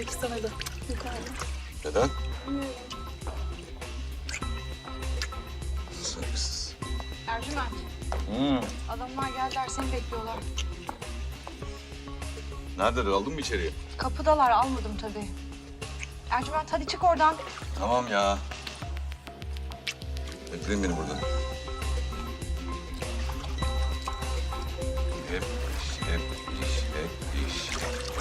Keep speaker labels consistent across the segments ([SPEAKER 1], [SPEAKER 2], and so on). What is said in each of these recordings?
[SPEAKER 1] istemedi. Yukarıda.
[SPEAKER 2] Neden?
[SPEAKER 1] Bilmiyorum.
[SPEAKER 2] Saygısız.
[SPEAKER 3] Ercüment, adamlar geldiler seni bekliyorlar.
[SPEAKER 2] Neredeler? Aldın mı içeriye?
[SPEAKER 3] Kapıdalar, almadım tabii. Ercüment hadi çık oradan.
[SPEAKER 2] Tamam ya. Bekleyin beni burada. Hep iş, hep iş, hep iş.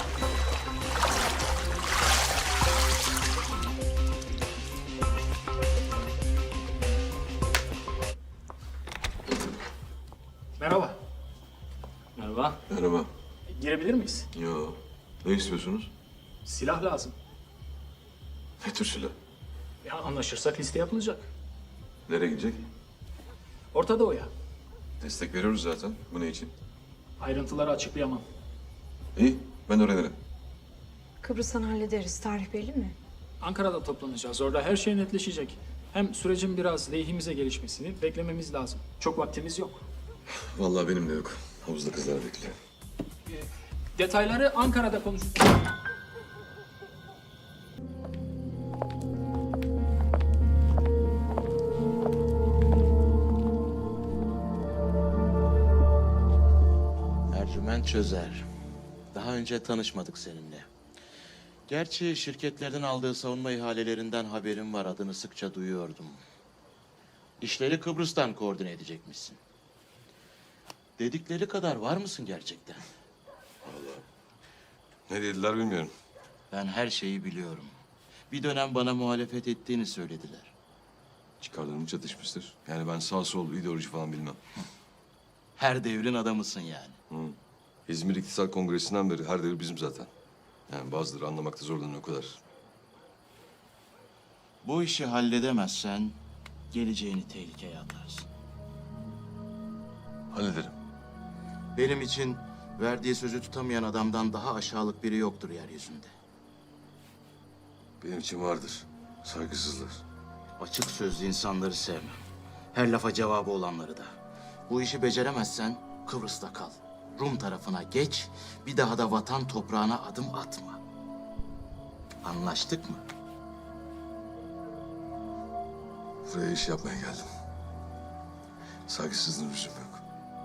[SPEAKER 4] Merhaba. Merhaba.
[SPEAKER 2] Merhaba.
[SPEAKER 4] Girebilir miyiz?
[SPEAKER 2] Yo. Ne istiyorsunuz?
[SPEAKER 4] Silah lazım.
[SPEAKER 2] Ne tür silah?
[SPEAKER 4] Ya anlaşırsak liste yapılacak.
[SPEAKER 2] Nereye gidecek?
[SPEAKER 4] Orta Doğu'ya.
[SPEAKER 2] Destek veriyoruz zaten. Bu ne için?
[SPEAKER 4] Ayrıntıları açıklayamam.
[SPEAKER 2] İyi. Ben öğrenirim.
[SPEAKER 1] Kıbrıs'tan hallederiz. Tarih belli mi?
[SPEAKER 4] Ankara'da toplanacağız. Orada her şey netleşecek. Hem sürecin biraz lehimize gelişmesini beklememiz lazım. Çok vaktimiz yok.
[SPEAKER 2] Vallahi benim de yok. Havuzda kızlar bekliyor.
[SPEAKER 4] Detayları Ankara'da konuşacağız.
[SPEAKER 5] Ercüment Çözer. Daha önce tanışmadık seninle. Gerçi şirketlerden aldığı savunma ihalelerinden haberim var. Adını sıkça duyuyordum. İşleri Kıbrıs'tan koordine edecekmişsin. Dedikleri kadar var mısın gerçekten?
[SPEAKER 2] Ne dediler bilmiyorum.
[SPEAKER 5] Ben her şeyi biliyorum. Bir dönem bana muhalefet ettiğini söylediler.
[SPEAKER 2] Çıkarlarım çatışmıştır. Yani ben sağ sol ideoloji falan bilmem.
[SPEAKER 5] Her devrin adamısın yani.
[SPEAKER 2] İzmir İktisat Kongresi'nden beri her devir bizim zaten. Yani bazıları anlamakta zorlanıyor o kadar.
[SPEAKER 5] Bu işi halledemezsen geleceğini tehlikeye atarsın.
[SPEAKER 2] Hallederim.
[SPEAKER 5] Benim için verdiği sözü tutamayan adamdan daha aşağılık biri yoktur yeryüzünde.
[SPEAKER 2] Benim için vardır. Saygısızlar.
[SPEAKER 5] Açık sözlü insanları sevmem. Her lafa cevabı olanları da. Bu işi beceremezsen Kıbrıs'ta kal. Rum tarafına geç, bir daha da vatan toprağına adım atma. Anlaştık mı?
[SPEAKER 2] Buraya iş yapmaya geldim. Saygısızlığın lüzum yok.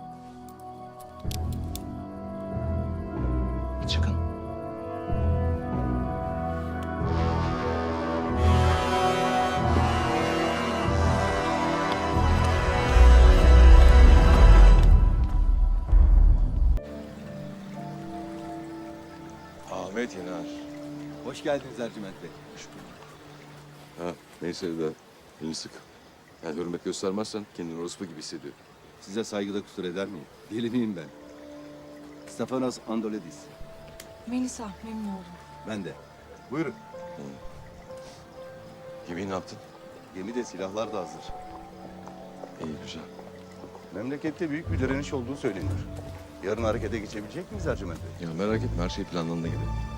[SPEAKER 5] Çıkın.
[SPEAKER 2] Ahmet Yener.
[SPEAKER 6] Hoş geldiniz Ercüment Bey.
[SPEAKER 2] Ha, neyse de elini sık. Yani hürmet göstermezsen kendini orospu gibi hissediyor.
[SPEAKER 6] Size saygıda kusur eder miyim? Deli miyim ben? Stefanos Andoledis.
[SPEAKER 1] Melisa, memnun oldum.
[SPEAKER 6] Ben de. Buyurun.
[SPEAKER 2] Gemiyi ne yaptın?
[SPEAKER 6] Gemide silahlar da hazır.
[SPEAKER 2] İyi, güzel.
[SPEAKER 6] Memlekette büyük bir direniş olduğu söyleniyor. Yarın harekete geçebilecek miyiz Ercüment Bey?
[SPEAKER 2] Ya merak etme, her şey planlandığı gibi.